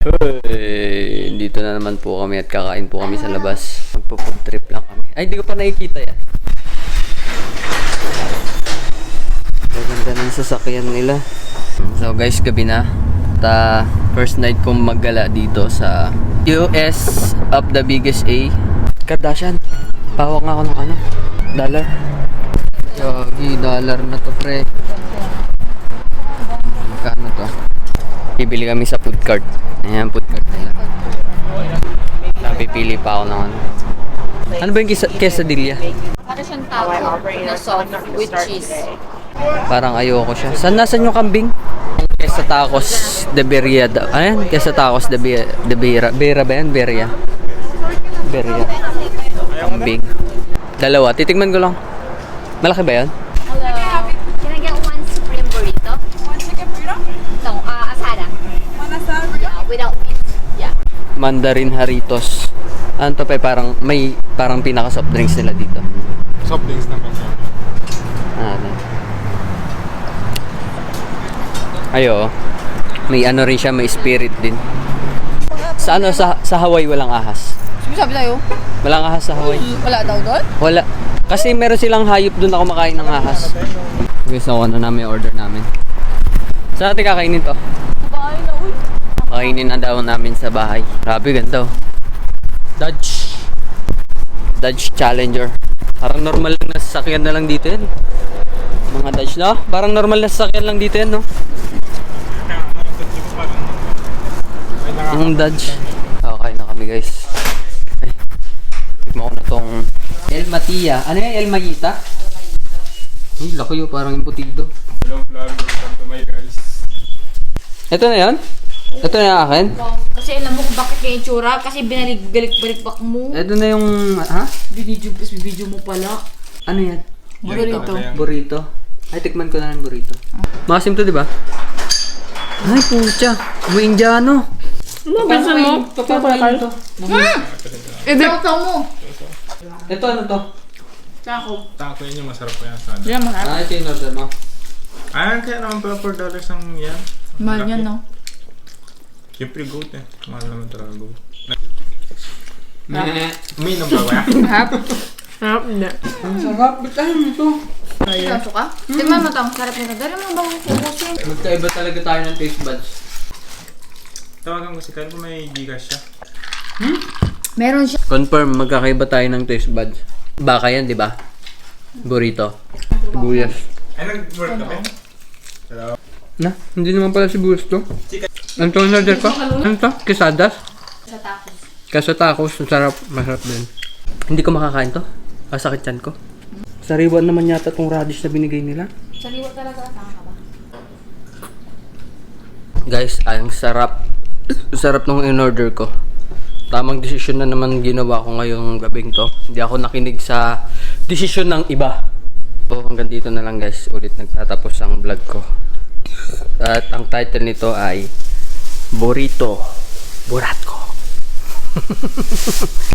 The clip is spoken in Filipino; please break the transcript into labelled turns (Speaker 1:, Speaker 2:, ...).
Speaker 1: Hey, dito na naman po kami at kakain po kami sa labas. Magpo-food trip lang kami. Ay, hindi ko pa nakikita yan. Maganda ng sasakyan nila. So guys, gabi na. At first night kong maggala dito sa US of the biggest A. Kardashian. Pawak nga ako ng ano? Dollar. Yogi, dollar na to pre. Magkano to? Bibili kami sa food cart. Ayan, food cart nila. Napipili pa ako ng ano. Ano ba yung quesadilla?
Speaker 2: Para siyang taco na soft with cheese.
Speaker 1: Parang ayoko siya. Nasaan yung kambing? Queso tacos de Beria. Ayan, queso tacos de Beria. Beria ba yan? Beria. Beria. Kambing. Dalawa. Titigman ko lang. Malaki ba yan?
Speaker 2: Hello. Can I get one supreme burrito?
Speaker 3: One chicken burrito?
Speaker 2: No, asada.
Speaker 3: One asada?
Speaker 2: Yeah, without meat. Yeah.
Speaker 1: Mandarin Haritos. Ano to pa? Parang pinaka soft drinks nila dito.
Speaker 4: Soft drinks naman siya.
Speaker 1: Ano? Ayo. May ano rin siya, may spirit din. Sa ano, sa Hawaii walang ahas.
Speaker 3: Sabi tayo?
Speaker 1: Walang ahas sa Hawaii.
Speaker 3: Wala daw doon?
Speaker 1: Wala. Kasi meron silang hayop doon ako makain ng ahas. Okay, so ano namin order namin. Saan natin kakainin to?
Speaker 3: Bahay na, uy.
Speaker 1: Kakainin na daw namin sa bahay. Grabe, ganda oh. Dodge Challenger. Parang normal na sasakyan na lang dito yan. Mga Dodge, no? Parang normal na sasakyan lang dito yan, no? Yung Dodge. Okay na kami, guys. Ay, tikman ko na tong El Matia. Ano yan? El Mayita? Ay, laki yun. Parang imputido.
Speaker 4: Hello vlog, welcome to my guys.
Speaker 1: Ito na yan? Ito na yung akin?
Speaker 2: Kasi alam mo kung bakit kaya yung tsura. Kasi binalik-balik mo.
Speaker 1: Ito na yung... Ha?
Speaker 2: Video mo pala.
Speaker 1: Ano yan?
Speaker 2: Burrito.
Speaker 1: Burrito. Ay, tikman ko na ng burrito. Masim to, di ba? Ay, pucha. May Indiano.
Speaker 3: Ano, pinsan mo?
Speaker 1: Papapain to.
Speaker 2: Sausaw mo.
Speaker 1: Ito, ano to?
Speaker 3: Taco.
Speaker 4: Taco yun yung masarap po yan sana.
Speaker 3: Diyan, mahal.
Speaker 1: Ah, ito yung order mo.
Speaker 4: Kaya naman pala $4 ang yan.
Speaker 3: Mahal yan, no?
Speaker 4: Siyempre goat eh. Mahal naman talaga goat.
Speaker 1: Meh.
Speaker 4: Umiinom ba ba?
Speaker 3: Harap. Harap, hindi.
Speaker 1: Ang sarap. Ba't tayo nito?
Speaker 2: Sauso ka? Tingnan mo to, ang sarap nito. Dali mo bang ubusin?
Speaker 1: Magkaiba talaga tayo ng taste buds.
Speaker 4: Tawagan ko si Kyle kung may Gcash siya.
Speaker 2: Meron siya.
Speaker 1: Confirm, magkakaiba tayo ng taste buds. Baka yan, di ba? Burrito. Sibuyas.
Speaker 4: Ay, nag-work ka ba? Hello?
Speaker 1: Na, hindi naman pala sibuyas to. Ano to ang order ko? Ano to? Quesadas?
Speaker 2: Sa tacos.
Speaker 1: Kaso tacos, masarap. Masarap din. Hindi ko makakain to. Masakit yan ko. Sariwan naman yata tong radish na binigay nila.
Speaker 2: Saliwa talaga. Tama ka ba?
Speaker 1: Guys, ang sarap. Sarap nung in-order ko. Tamang desisyon na naman ginawa ko ngayong gabing to. Hindi ako nakinig sa desisyon ng iba. So, hanggang dito na lang guys. Ulit nagtatapos ang vlog ko. At ang title nito ay Burrito Buratko.